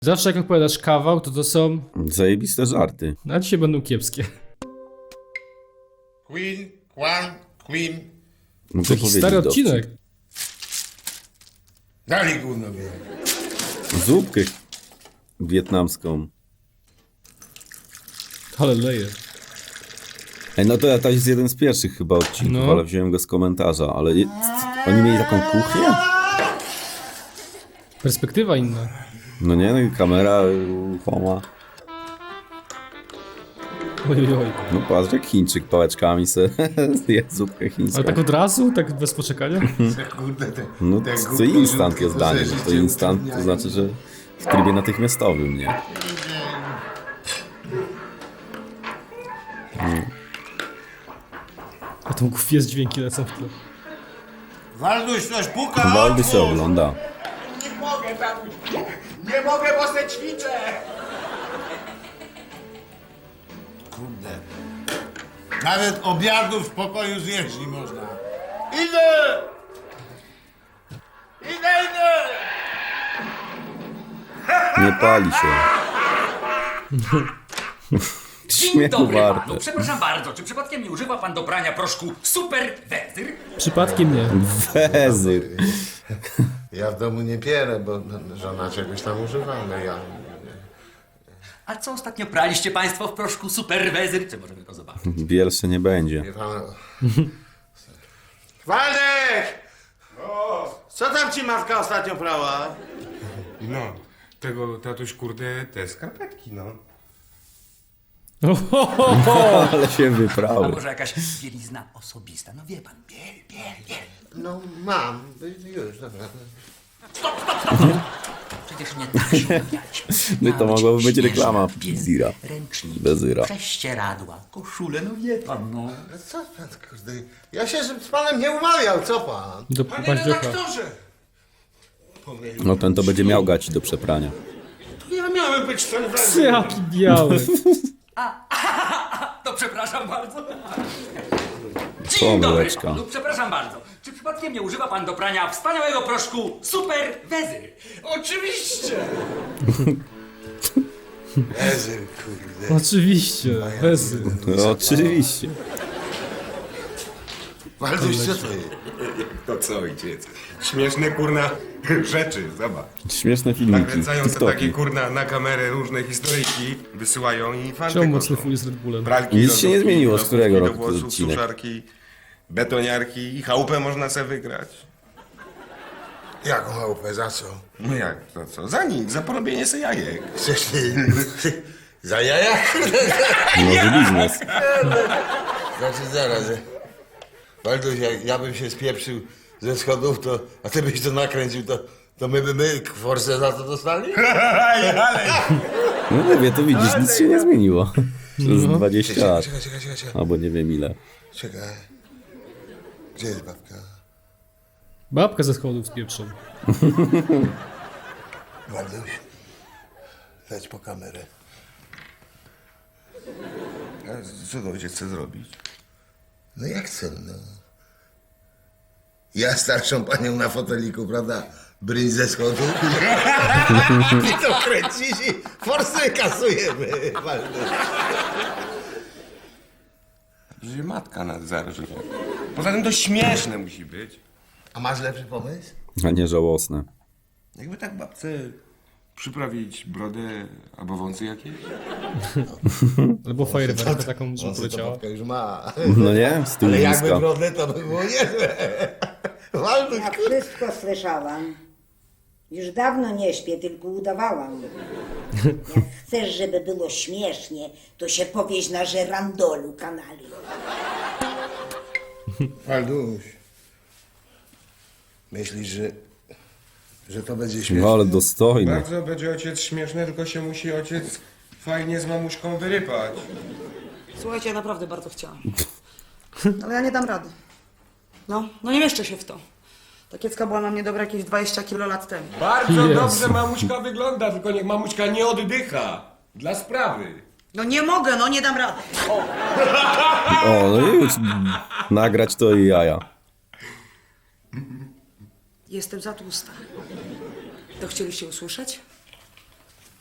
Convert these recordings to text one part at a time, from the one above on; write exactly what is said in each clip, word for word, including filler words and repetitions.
Zawsze jak opowiadasz kawał, to to są... Zajebiste żarty. A dzisiaj będą kiepskie. Queen, Kwan, Queen. Muszę Taki powiedzieć stary dowcip. odcinek. Dali gówno wie. Zupkę wietnamską. Ale leje. Ej, no to, to jest jeden z pierwszych chyba odcinków, No. ale wziąłem go z komentarza, ale je, oni mieli taką kuchnię? Perspektywa inna. No nie, no i kamera ruchoma. Oj, oj, oj. No patrz, jak Chińczyk pałeczkami se je zupkę chińską. Ale tak od razu? Tak bez poczekania? Kurde, te, No te to głupie instant żółtki, jest danie, że że to życie instant to utrudniają. znaczy, że w trybie natychmiastowym, nie? A tą gwiazd dźwięki lecą w tle. Walduś, coś puka, Waldy się otwórz. ogląda. Nie mogę, tatuś. Nie mogę, bo se ćwiczę. Kurde. Nawet obiadu w pokoju zjeść nie można. Idę! Idę, idę! Nie pali się. Dzień Śmiechu dobry warte. panu, przepraszam bardzo, czy przypadkiem nie używa pan do prania proszku Super Wezyr? Przypadkiem nie. Wezyr. Ja w domu nie pierę, bo żona czegoś tam używa, ale ja... A co ostatnio praliście państwo w proszku Super Wezyr? Czy możemy to zobaczyć? Wiersze nie będzie. Wie pan... Waldek! Co tam ci matka ostatnio prała? No, tego tatuś, kurde, te skarpetki, no. Ale się A wyprały. może jakaś bielizna osobista? No wie pan, biel, biel, biel. No mam, już, dobra. Przecież nie tak się umawialiśmy. No i to Miała mogłaby być śnieżna reklama biel, Zira. Ręczniki, Wezyra. prześcieradła, koszule, no wie pan, no. Ale co pan, kurde, ja się z panem nie umawiał, co pan? Do Panie paździocha. redaktorze! Pomylił. No ten to będzie miał gaci do przeprania. Ja miałem być ten wezyr. Jaki biały. To przepraszam bardzo. Dzień dobry Pomyłeczka. panu, przepraszam bardzo. Czy przypadkiem nie używa pan do prania wspaniałego proszku Super Wezyr? Oczywiście! Ezyl, kurde. Oczywiście. Bez... No, oczywiście. Walduś, co to jest? To co, ojciec? Śmieszne, kurna, rzeczy, zobacz. Śmieszne filmiki. Nakręcają te takie, TikToki. kurna, na kamerę różne historyjki, wysyłają i fanty Czemu mocny koszą. fuj z Red Bullem? Pralki, Nic się nie lodówki, zmieniło, z lodówki którego do roku to włosów, odcinek? suszarki, betoniarki i chałupę można sobie wygrać. Jaką chałupę, za co? No jak, to co? Za nic, za porobienie se jajek. Chcesz ty... Za jaja? Nowy biznes. Znaczy zaraz, że- Walduś, jak ja bym się spieprzył ze schodów, to, a ty byś to nakręcił, to, to my by my forsę za to dostali? No nie wie, to widzisz, nic się nie zmieniło. Przez dwadzieścia lat. Czekaj, czekaj, czekaj, czekaj. Albo nie wiem ile. Czekaj. Gdzie jest babka? Babka ze schodów z pieprzą. Walduś, leć po kamerę. A co to ojciec chce zrobić? No jak chcę, no. Ja starszą panią na foteliku, prawda? Bryń ze schodów. Ty to kręcisz i forsy kasujemy, Walduś. Że matka nas zarży. Poza tym to śmieszne musi być. A masz lepszy pomysł? A nie żałosne. Jakby tak babce przyprawić brodę albo wąsy jakieś? Albo fajerwerkę taką, że On to poleciała. babka już ma. No nie? Z tyłu Ale jakby bliska. brodę, to by było niezłe. Walduś, Ja wszystko słyszałam. Już dawno nie śpię, tylko udawałam. Jak chcesz, żeby było śmiesznie, to się powieź na żerandolu kanali. Walduś. Myślisz, że, że to będzie śmieszne? No ale dostojne. Bardzo będzie ojciec śmieszny, tylko się musi ojciec fajnie z mamuśką wyrypać. Słuchajcie, ja naprawdę bardzo chciałam. Ale ja nie dam rady. No, no nie mieszczę się w to. Ta kiecka była na mnie dobra jakieś dwadzieścia kilo lat temu. Bardzo Jezu. dobrze mamuśka wygląda, tylko niech mamuśka nie oddycha. Dla sprawy. No nie mogę, no nie dam rady. O, no i już nagrać to i jaja. Jestem za tłusta. To chcieliście usłyszeć?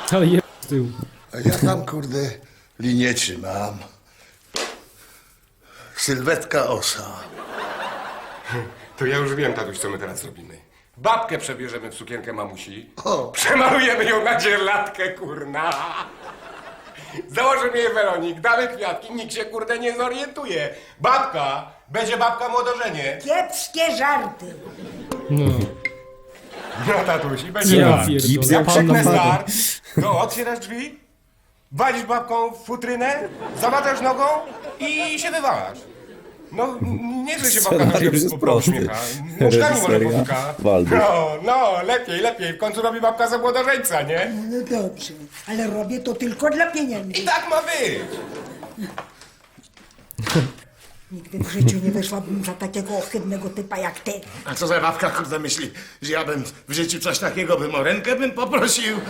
Ale je z tyłu. A ja tam, kurde, linię trzymam. Sylwetka osa. To ja już wiem, tatuś, co my teraz robimy. Babkę przebierzemy w sukienkę mamusi. O. Przemalujemy ją na dzierlatkę, kurna. Założymy jej Weronik, damy kwiatki, nikt się, kurde, nie zorientuje. Babka, będzie babka młodożenie. Kiepskie żarty. No. No, tatuś, i będzie Ja tak. pierdolę. Gips jak Pan Czeknę na start. No, otwierasz drzwi, walisz babką w futrynę, zamatasz nogą i się wywalasz. No, n- nie, że się babka Scenariusz troszkę jest po- prosty. uśmiecha. Nóżkami może Reżyseria potuka. Waldus. No, no, lepiej, lepiej. W końcu robi babka za młodożeńca, nie? No dobrze, ale robię to tylko dla pieniędzy. I tak ma być. Nigdy w życiu nie wyszłabym za takiego ohydnego typa jak ty. A co za babka, kurde, myśli, że ja bym w życiu coś takiego bym o rękę bym poprosił?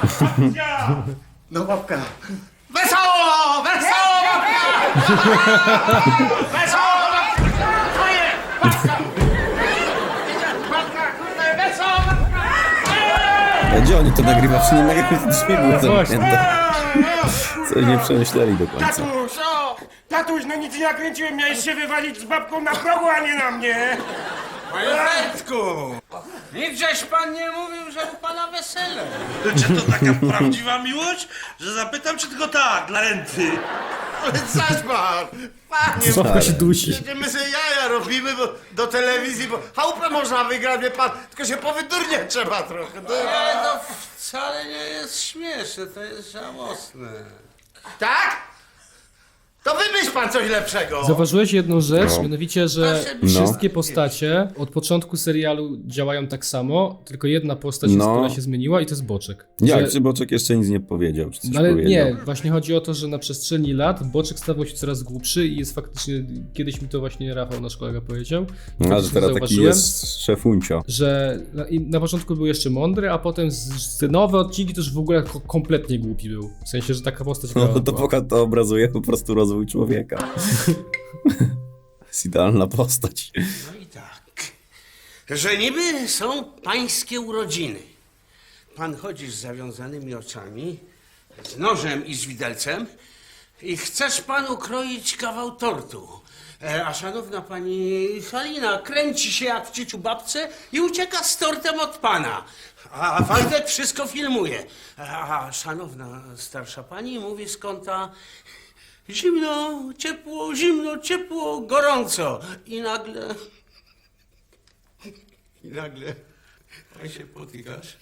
No babka. Wesoło! Wesoło, babka! Wesoło, babka! To jest! Babka! Babka, kurde, wesoło, babka! A gdzie oni to nagrywa? Czy nie nagrywa? To drzwi były właśnie. zamknięte. Coś nie przemyśleli do końca. Tatuś, o! Tatuś, no nic nie nakręciłem, miałeś się wywalić z babką na progu, a nie na mnie. Panie Fredku! Nigdzieś pan nie mówił, że u pana wesele. Czy to taka prawdziwa miłość, że zapytam, czy tylko tak, dla renty? Ale zaś pan! Panie, Babka się dusi. przecież my sobie jaja robimy bo, do telewizji, bo chałupę można wygrać, wie pan, tylko się powydurniać trzeba trochę. To... Nie, no wcale nie jest śmieszne, to jest żałosne. Tak? To wymyśl pan coś lepszego. Zauważyłeś jedną rzecz, No. mianowicie, że No. wszystkie postacie od początku serialu działają tak samo, tylko jedna postać, No. która się zmieniła i to jest Boczek. Jak, Że- czy Boczek jeszcze nic nie powiedział, czy coś No ale powiedział? nie, właśnie chodzi o to, że na przestrzeni lat Boczek stawał się coraz głupszy i jest faktycznie, kiedyś mi to właśnie Rafał, nasz kolega, powiedział. I A, że faktycznie teraz taki zauważyłem, jest szefuncio. że na, i na początku był jeszcze mądry, a potem z, z nowe odcinki to już w ogóle ko- kompletnie głupi był. W sensie, że taka postać No grała to, była. poka- to obrazuje po prostu rozwój człowieka. Jest idealna postać. No i tak, że niby są pańskie urodziny. Pan chodzi z zawiązanymi oczami, z nożem i z widelcem i chcesz pan ukroić kawał tortu. E, A szanowna pani Halina kręci się jak w cieciu babce i ucieka z tortem od pana. A Waldek wszystko filmuje. A a szanowna starsza pani mówi z kąta zimno, ciepło, zimno, ciepło, gorąco. I nagle... I nagle pan się potykasz.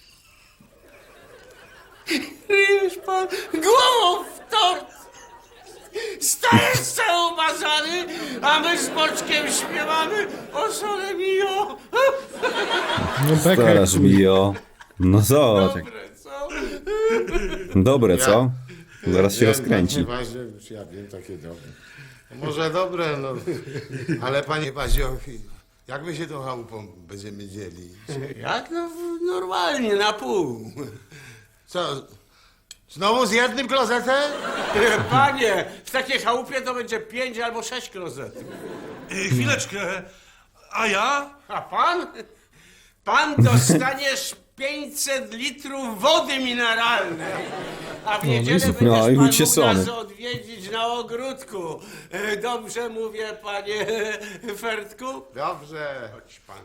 Ryjesz pan głową w tort. Stajesz cały umazany, a my z Boczkiem śpiewamy o sole mio. No beka jak Starasz mi o... No zobacz. jak- Dobre, co? Dobre, co? Zaraz się rozkręci. Panie Bazie, już ja wiem, takie dobre. Może dobre, no. Ale panie Bazio, jak my się tą chałupą będziemy dzielić? Jak no normalnie, na pół. Co, znowu z jednym klozetem? Panie, w takiej chałupie to będzie pięć albo sześć klozetów. E, chwileczkę, a ja? A pan? Pan dostaniesz pięćset litrów wody mineralnej. A w niedzielę Jezu, będziesz no i pan ucieszony. mógł nas odwiedzić na ogródku. E, Dobrze mówię, panie Fertku? Dobrze. Chodź pan.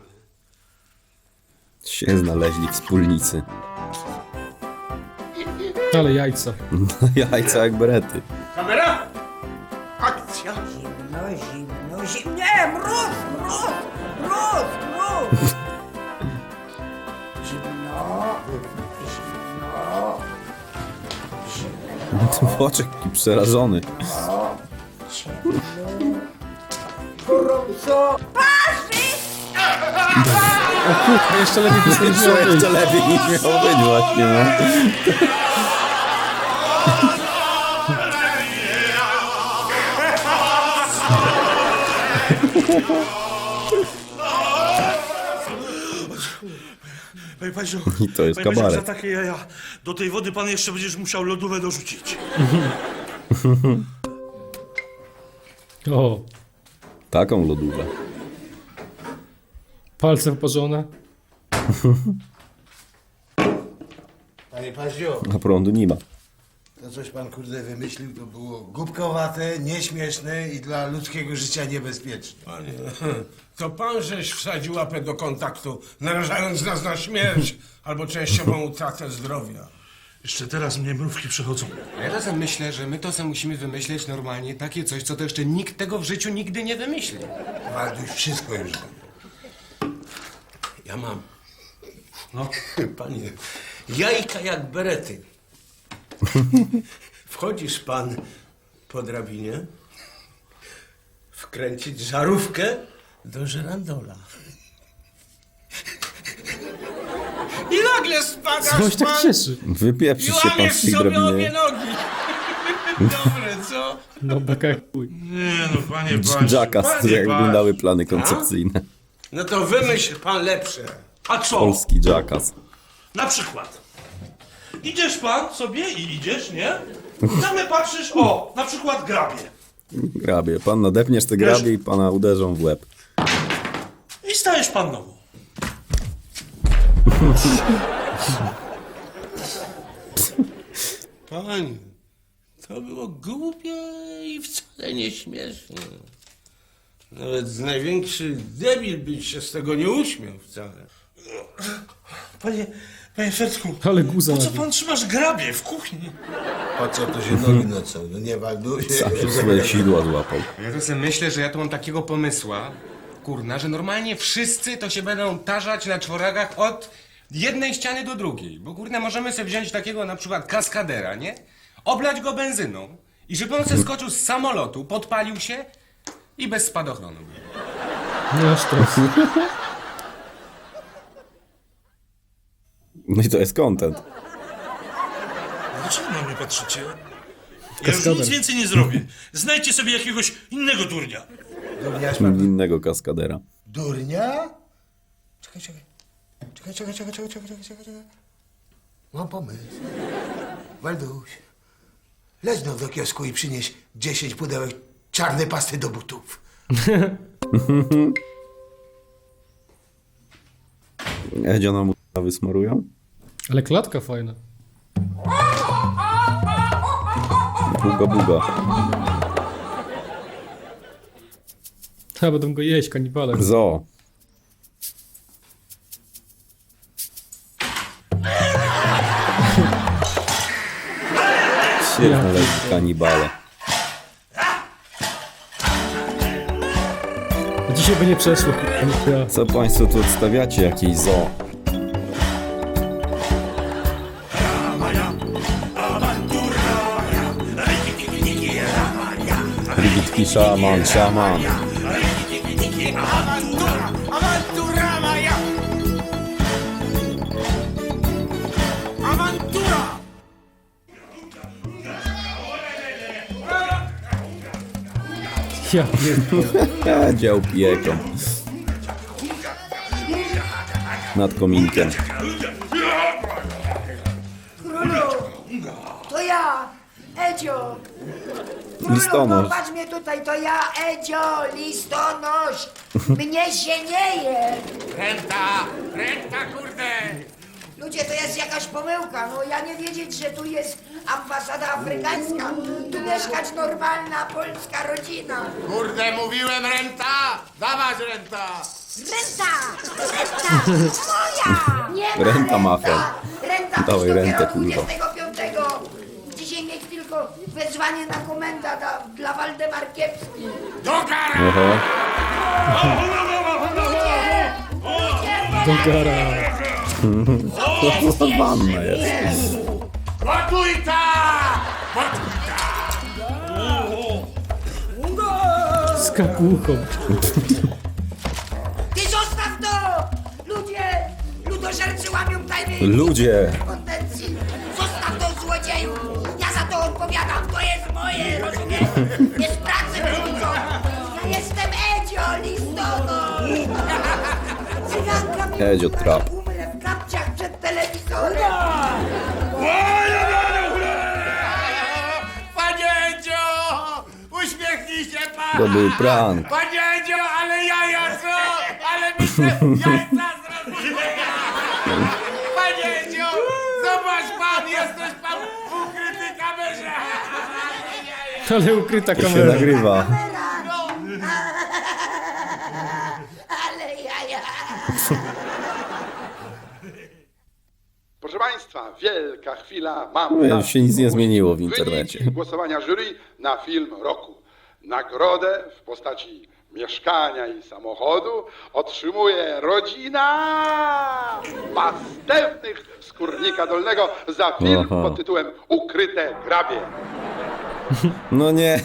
Się znaleźli wspólnicy. ale jajca. Jajca jak berety. Kamera? Akcja. Zimno, zimno, zimno. Nie, mróz, mróz, mróz, mróz. Zimno, zimno, zimno, Boczek taki przerażony. ciepło, gorąco. To jeszcze lepiej by sobie Co jeszcze lepiej niż miało być właśnie, no. Panie Paździo, I to jest panie Paździo, kabaret. za takie jaja do tej wody pan jeszcze będziesz musiał lodówę dorzucić. O, Taką lodówę. palce wyparzone. Panie Paździo, A prądu nie ma. to coś pan kurde wymyślił, to było głupkowate, nieśmieszne i dla ludzkiego życia niebezpieczne. Panie, to pan żeś wsadził łapę do kontaktu, narażając nas na śmierć albo częściową utratę zdrowia. Jeszcze teraz mnie mrówki przechodzą. A ja czasem myślę, że my to sobie musimy wymyśleć normalnie takie coś, co to jeszcze nikt tego w życiu nigdy nie wymyśli. Walduś wszystko już wie. Ja mam. No, panie, jajka jak berety. Wchodzisz pan po drabinie, wkręcić żarówkę do żerandola. I nagle spadasz Coś tak pan cieszy. i Wypieprzysz się pan łamiesz z tej sobie obie drabiny. nogi. Dobre, co? No beka jak chuj. Nie no, panie Paździo. Jackass, Panie to jak Paź. wyglądały plany koncepcyjne. No to wymyśl pan lepsze. A co? Polski Jackass. Na przykład. Idziesz pan sobie i idziesz, nie? Nagle patrzysz, o, na przykład grabie. Grabie. Pan nadepniesz te grabie i pana uderzą w łeb. I stajesz pan nową. Panie, to było głupie i wcale nie śmieszne. Nawet największy debil by się z tego nie uśmiał wcale. Panie, panie Fertku, Ale guza po co nabił. pan trzymasz grabie w kuchni? Po co to się nogi nocą? No nie Walduś. Sam się swoje sidła złapał. Ja to sobie myślę, że ja tu mam takiego pomysła, kurna, że normalnie wszyscy to się będą tarzać na czworagach od jednej ściany do drugiej. Bo kurna, możemy sobie wziąć takiego na przykład kaskadera, nie? Oblać go benzyną i żeby on se skoczył z samolotu, podpalił się i bez spadochronu. Nie aż tak. No i to jest content. Dlaczego na mnie patrzycie? Ja już Kaskader. nic więcej nie zrobię. Znajdźcie sobie jakiegoś innego durnia. Durniaś pan? Innego kaskadera. Durnia? Czekaj, czekaj. Czekaj, czekaj, czekaj, czekaj, czekaj, czekaj, czekaj, czekaj. Mam pomysł. Walduś, leć no do kiosku i przynieś dziesięć pudełek czarnej pasty do butów. Edzio nam wysmarują? Ale klatka fajna. Buga, buga. Ja będą go jeść, kanibale. Zo. Świetne leci kanibale. Dzisiaj by nie przeszło. Ja. Co państwo tu odstawiacie? Jakieś zo? Rigitki szaman, szaman. Awantura moja! Awantura! Ja pierdolę. Dział pieką. Nad kominkiem. Królu, to ja, Edzio. Listonosz. Popatrz mnie tutaj, to ja, Edzio, listonosz. Mnie się nie je. Renta! Renta, kurde! Ludzie, to jest jakaś pomyłka. No ja nie wiedzieć, że tu jest ambasada afrykańska. Tu mieszkać normalna polska rodzina. Kurde, mówiłem renta! Dawać renta! Renta! Renta! Moja! Nie ma Renta mafia. Renta Dawaj dopiero rentę, kurwa. dwudziestego piątego. Dzisiaj mieć tylko wezwanie na komenda dla, dla Waldemar Kiepski. Do kara! Oho. Ludzie! Ludzie! Do gara. To wanna jest. Gotujta! Z kapuchą. Ty zostaw to! Ludzie! Ludożercy łamią tajny Ludzie. konwencji. Zostaw to, złodzieju! Ja za to odpowiadam, to jest moje, rozumiesz? Jest pracy wyrzucą. Ja jestem Edzio, listonosz! Cyganka mi Edzio mówi, trap. że umrę w kapciach przed telewizorem. Panie Edzio! Uśmiechnij się pan! To był prank. Panie Edzio, ale jaja co? Ale mi te jajca zrobiły! Panie Edzio! Zobacz pan! Jesteś pan w ukrytej kamerze! Ale ukryta To się kamera. nagrywa. Ale jaja. Proszę Państwa, wielka chwila. Mam Mówię, na się nic nie ogłosić zmieniło w internecie. wyniki głosowania jury na film roku. Nagrodę w postaci mieszkania i samochodu otrzymuje rodzina Pastewnych z Kurnika Dolnego za film Aha. pod tytułem Ukryte grabie. No nie.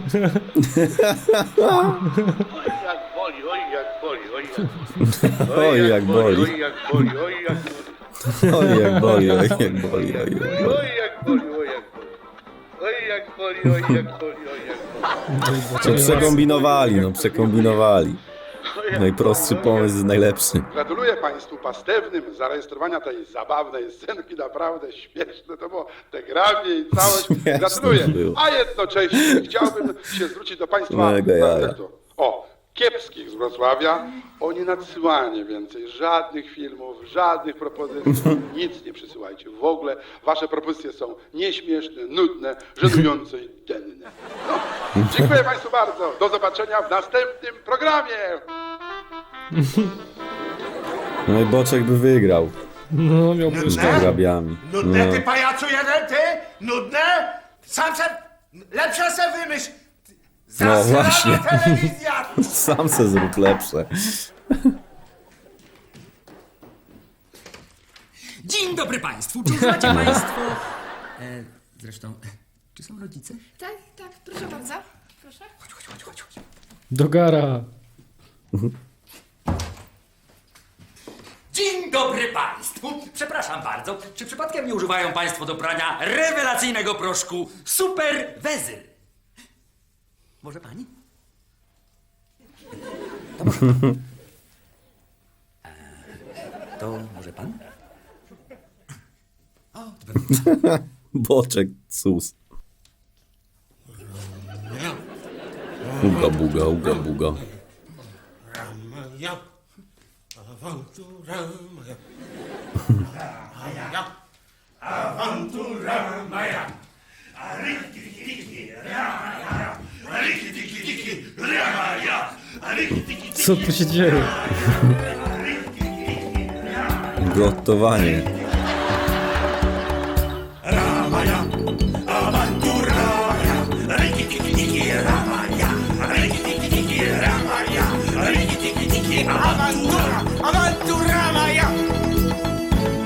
Jak boli, oj jak boli, oj jak Oj, jak boli. oj jak boli, oj jak Oj, jak boli, oj, jak boli, oj, jak boli. oj jak boli, oj jak boli. Oj jak boli, oj jak boli, oj jak boli. No przekombinowali, no przekombinowali. Najprostszy pomysł jest najlepszy. Gratuluję Państwu Pastewnym zarejestrowania tej zabawnej scenki, naprawdę śmieszne to było, te grabie i całość. Śmieszne Gratuluję, było. a jednocześnie chciałbym się zwrócić do Państwa Mega jaja. prezentu. O, Kiepskich z Wrocławia o nienadsyłanie więcej żadnych filmów, żadnych propozycji, nic nie przysyłajcie. W ogóle Wasze propozycje są nieśmieszne, nudne, żenujące i denne. No, dziękuję Państwu bardzo, do zobaczenia w następnym programie. No i Boczek by wygrał. No, miał Z tymi grabiami. Nudne No. ty pajacu jeden, ty? Nudne? Sam se... Lepsze se wymyśl! No Zasrana właśnie. telewizja! Sam se zrób lepsze. Dzień dobry Państwu, czy znacie Państwo... E, zresztą, czy są rodzice? Tak, tak, proszę bardzo. Proszę. Chodź, chodź, chodź, chodź, chodź. Do gara. Dzień dobry Państwu! Przepraszam bardzo, czy przypadkiem nie używają Państwo do prania rewelacyjnego proszku Super Wezyl? Może Pani? To może pan. Eee, to może Pan? O, to pewnie. Boczek, sus. Uga buga, uga buga. Moja awantura moja. Moja awantura moja. Co tu się dzieje? Gotowanie. Awantura moja.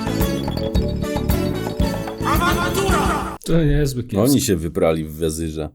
Awantura. To niezły kiepski. Oni się wyprali w wezyrze.